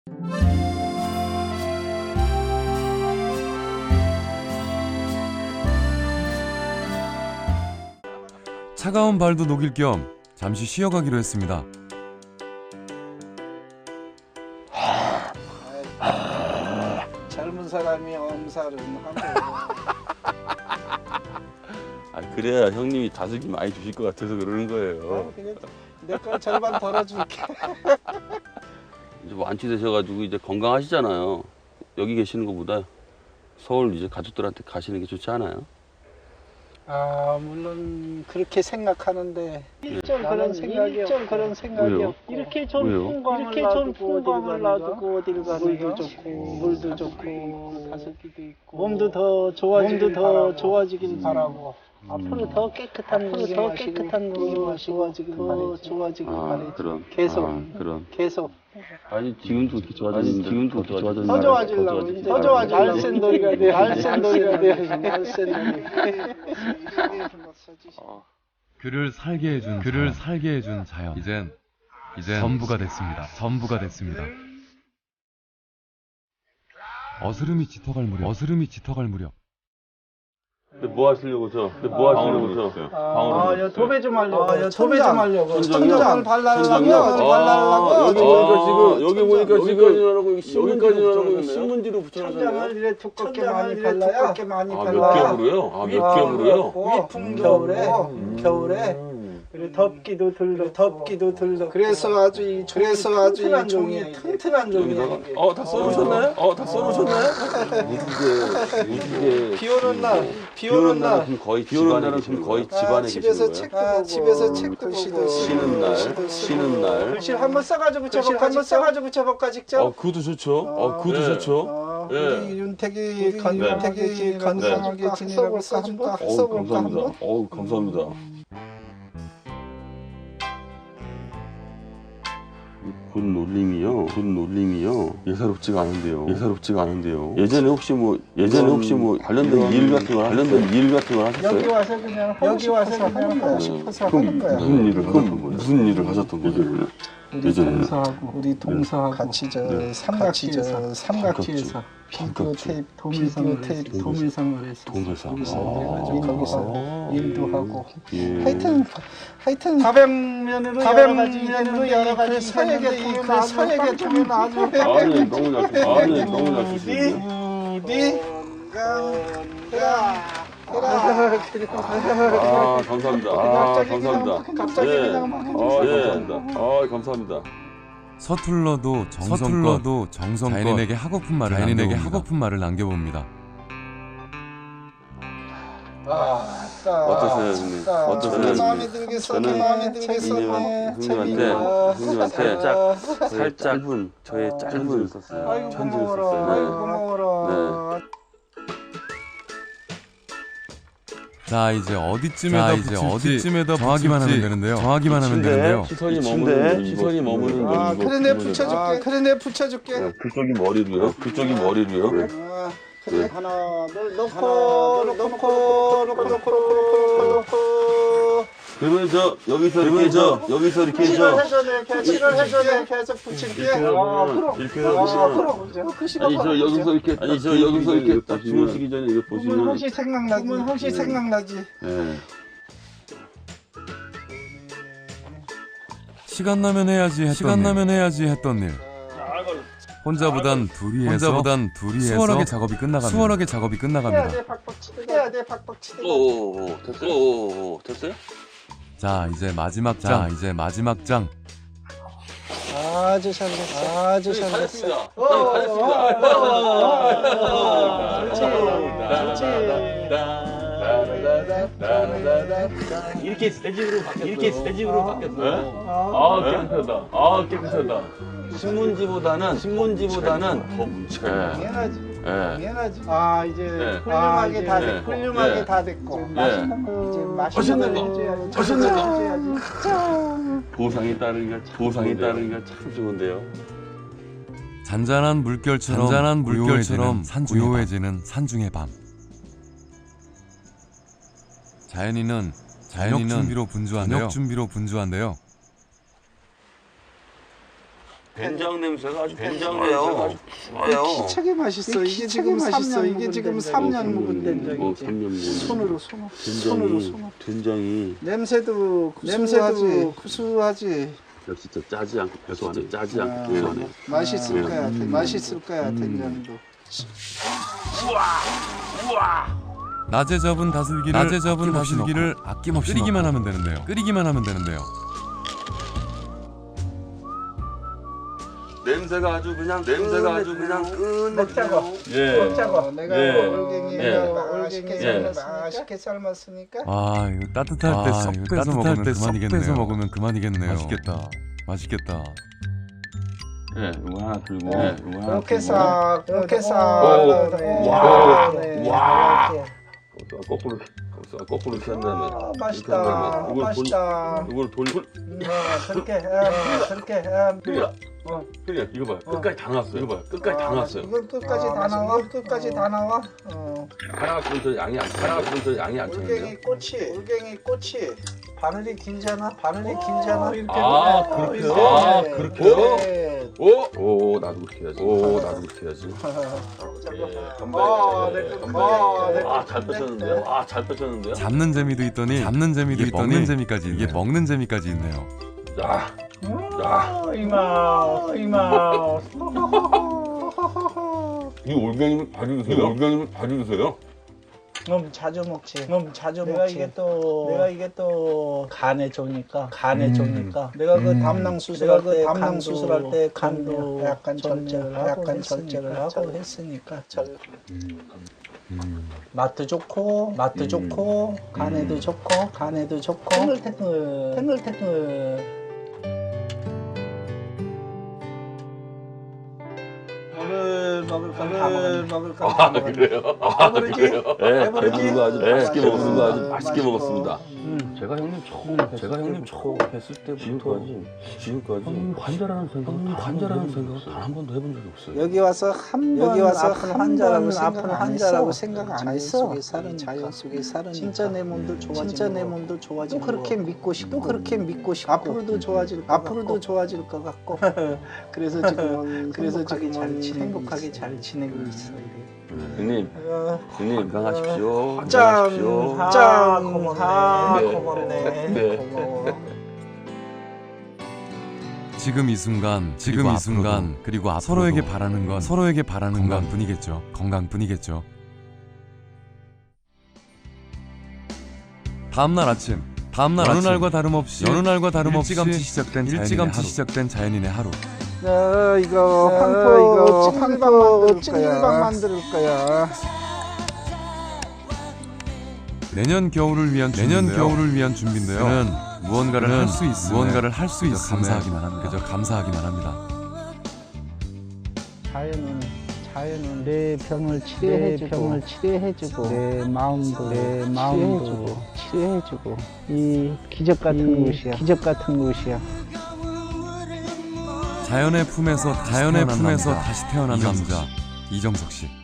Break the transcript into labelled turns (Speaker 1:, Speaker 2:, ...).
Speaker 1: 차가운 발도 녹일 겸 잠시 쉬어가기로 했습니다.
Speaker 2: 젊은 사람이 엄살은 하고.
Speaker 3: 그래야 형님이 다슬기 많이 주실 것 같아서 그러는 거예요.
Speaker 2: 내 거 절반 덜어줄게.
Speaker 3: 이제 완치되셔가지고 이제 건강하시잖아요. 여기 계시는 것보다 서울 이제 가족들한테 가시는 게 좋지 않아요?
Speaker 2: 아 물론 그렇게 생각하는데
Speaker 4: 일정 그런 생각이
Speaker 3: 왜요?
Speaker 4: 없고 이렇게 좀
Speaker 3: 왜요?
Speaker 4: 풍광을 놔두고 어디를 가는 물도 좋고 물도 좋고 다슬기도 있고 몸도 더 좋아지길 바라고 앞으로 더 깨끗한 공기 마시고 더 좋아지길 바라죠.
Speaker 3: 그런.
Speaker 4: 계속
Speaker 3: 그런.
Speaker 4: 계속
Speaker 3: 아니 지금도 그렇게 좋아졌는데. 지금도 그렇게 좋아졌는데.
Speaker 4: 더 좋아지려고 이제 더 좋아지려고 알센돌이가 돼 알센돌이가 돼 알센돌이.
Speaker 1: 그를 살게 해준 자연. 이젠 전부가 됐습니다. 어스름이 짙어갈 무렵.
Speaker 3: 근데 뭐 하시려고 저?
Speaker 4: 도배 좀 하려고
Speaker 2: 천장을 발라려고
Speaker 3: 여기 보니까 지금 신문지로 붙여놨어요.
Speaker 2: 천장을 이래 두껍게 많이 발라야
Speaker 3: 몇 겹으로요? 몇 겹으로요?
Speaker 2: 위풍 겨울에
Speaker 4: 그리고 덥기도 들러
Speaker 2: 그래서 아주 이 종이 튼튼한 종이야.
Speaker 3: 다 써놓으셨나요? 무지개.
Speaker 2: 비 오는 날
Speaker 3: 거의 집안에
Speaker 2: 집에서
Speaker 3: 계시는
Speaker 2: 책도
Speaker 3: 거예요?
Speaker 2: 보고 집에서 책도 보고
Speaker 3: 쉬는 날.
Speaker 2: 글씨 한번 써가지고 붙여볼까 직접?
Speaker 3: 그것도 좋죠. 예.
Speaker 2: 우리 윤택이 건강하게 지내라고 써볼까 한번?
Speaker 3: 감사합니다. 굿 놀림이요. 예사롭지가 않은데요. 예전에 혹시 뭐 관련된 일 같은 걸 하셨어요?
Speaker 2: 여기 와서 그냥 하고 싶어서 하는 거야.
Speaker 3: 무슨 일을 하셨던 거예요?
Speaker 2: 우리 동서하고 같이 삼각지에서 비디오 테이프 도밀상을 했어. 거기서 일도 하고. 하여튼 다백면으로 여러 가지 서예계 통은 아주
Speaker 3: 너무 잘 쓰시네요. 감사합니다.
Speaker 2: 갑자기
Speaker 3: 감사합니다.
Speaker 1: 서툴러도 정성껏 자연인에게 하고픈 말을 남겨봅니다.
Speaker 3: 어떠세요, 형님?
Speaker 2: 마음에 들겠어.
Speaker 3: 형님한테 살짝 저의 짧은 편지를 썼어요.
Speaker 2: 고마워라.
Speaker 1: 자, 이제 어디쯤에다 정하기만 하면 되는데요.
Speaker 3: 시선이 머무는
Speaker 2: 그래 내 붙여줄게.
Speaker 3: 그쪽이 머리로요.
Speaker 2: 그래 하나 넣고
Speaker 3: 그러면 여기서 이렇게 해서
Speaker 2: 칠을 해줘야 돼. 계속 붙일게.
Speaker 3: 이렇게 해서 여기서 이렇게 딱 주무시기 전에 이거 보시면
Speaker 2: 혹시 생각나지.
Speaker 3: 네.
Speaker 1: 시간 나면 해야지 했던 일. 혼자보단 둘이 해서 수월하게 작업이 끝나갑니다.
Speaker 2: 해야 돼 박박 치대.
Speaker 3: 됐어요?
Speaker 1: 자, 이제 마지막 장.
Speaker 2: 아주 잘됐어.
Speaker 3: 잘했습니다.
Speaker 4: 이렇게 스테직으로 바뀌었어요.
Speaker 3: 깨끗하다. 신문지보다는 더 뭉치가요.
Speaker 2: 미안하지. 이제
Speaker 4: 훌륭하게
Speaker 2: 다 됐고. 이제
Speaker 3: 맛있는 거.
Speaker 2: 해줘야지.
Speaker 3: 보상이 따르기가 참 좋은데요.
Speaker 1: 잔잔한 물결처럼 고요해지는 산중의 밤. 자연이는 저녁 준비로 분주한데요.
Speaker 3: 된장 냄새가 아주 좋아요.
Speaker 2: 기차게 맛있어. 이게 지금 맛있어. 이게 지금 3년 묵은 된장이지.
Speaker 3: 3년 묵은
Speaker 2: 손으로
Speaker 3: 된장이
Speaker 2: 냄새도 구수하지.
Speaker 3: 역시 저 짜지 않고 고소하네. 짜지 않고 고소하네.
Speaker 2: 맛있을 거야. 맛있을 거야. 된장도.
Speaker 1: 낮에 접은 다슬기를 아낌없이 끓이기만 하면 되는데요.
Speaker 3: 냄새가 아주 그냥
Speaker 4: 먹자고.
Speaker 3: 예.
Speaker 4: 먹자고.
Speaker 2: 내가
Speaker 3: 예.
Speaker 2: 올갱이
Speaker 3: 예.
Speaker 2: 맛있게 삶았으니까.
Speaker 1: 아 이거 따뜻할 때 쏙 빼서 먹으면 그만이겠네요. 맛있겠다.
Speaker 3: 예, 이거 하나 들고.
Speaker 2: 이렇게 싹
Speaker 3: 와.
Speaker 2: 이렇게.
Speaker 3: 거꾸로 이렇게 한 다음에.
Speaker 2: 맛있다. 맛있다.
Speaker 3: 이걸 돌리고.
Speaker 2: 그렇게.
Speaker 3: 형님, 이거 봐요. 끝까지 다 나왔어요. 끝까지 다 나왔어요.
Speaker 2: 이거 끝까지 다 나와. 끝까지 다 나와.
Speaker 3: 하나 저 양이 안 차는데요?
Speaker 2: 올갱이 꽃이 바늘이 길잖아. 이렇게.
Speaker 3: 아, 그렇게요? 그렇게요?
Speaker 2: 네.
Speaker 3: 오, 나도 그렇게 해야지. 잘 뺏었는데요?
Speaker 1: 잡는 재미도 있더니 먹는 재미까지 있네요.
Speaker 3: 자.
Speaker 4: 이마.
Speaker 3: 이 올갱이를 가지고 드세요?
Speaker 2: 너무 자주 먹지.
Speaker 4: 내가 이게 또 간에 좋으니까. 내가 그 담낭 수술할 때 간도 약간 절제를 하고 했으니까. 맛도 좋고 간에도 좋고 탱글탱글. 오늘 먹을 건 다 먹었네.
Speaker 3: 그래요?
Speaker 2: 배부르지?
Speaker 3: 네, 배부르고 아주 맛있게
Speaker 2: 네.
Speaker 3: 맛있게 먹었습니다. 제가 형님 처음 뵀을 때부터 지금까지 관절하는 생각을 단 한 번도 해본 적이 없어요.
Speaker 2: 여기 와서 아픈 환자라고 생각 안 했어. 자연 속에 사는 진짜 내 몸도 좋아지고 또 그렇게 믿고 싶고 앞으로도 좋아질 것 같고 그래서 지금은 행복하게 잘 지내고 있어.
Speaker 3: 형님 건강하십시오.
Speaker 2: 고맙네. 고마워.
Speaker 1: 지금 이 순간 그리고 서로에게 바라는 건 건강뿐이겠죠. 다음날 아침 어느 날과 다름없이 일찌감치 시작된 자연인의 하루.
Speaker 2: 이거 찜질방 만들 거야.
Speaker 1: 내년 겨울을 위한 준비인데요. 저는 무언가를 할 수 있음에 그저 감사하기만 합니다.
Speaker 4: 자연은 내 병을 치료해주고 내 마음도 치료해주고 이 기적 같은 곳이야.
Speaker 1: 자연의 품에서 다시 태어난 남자 이정석 씨.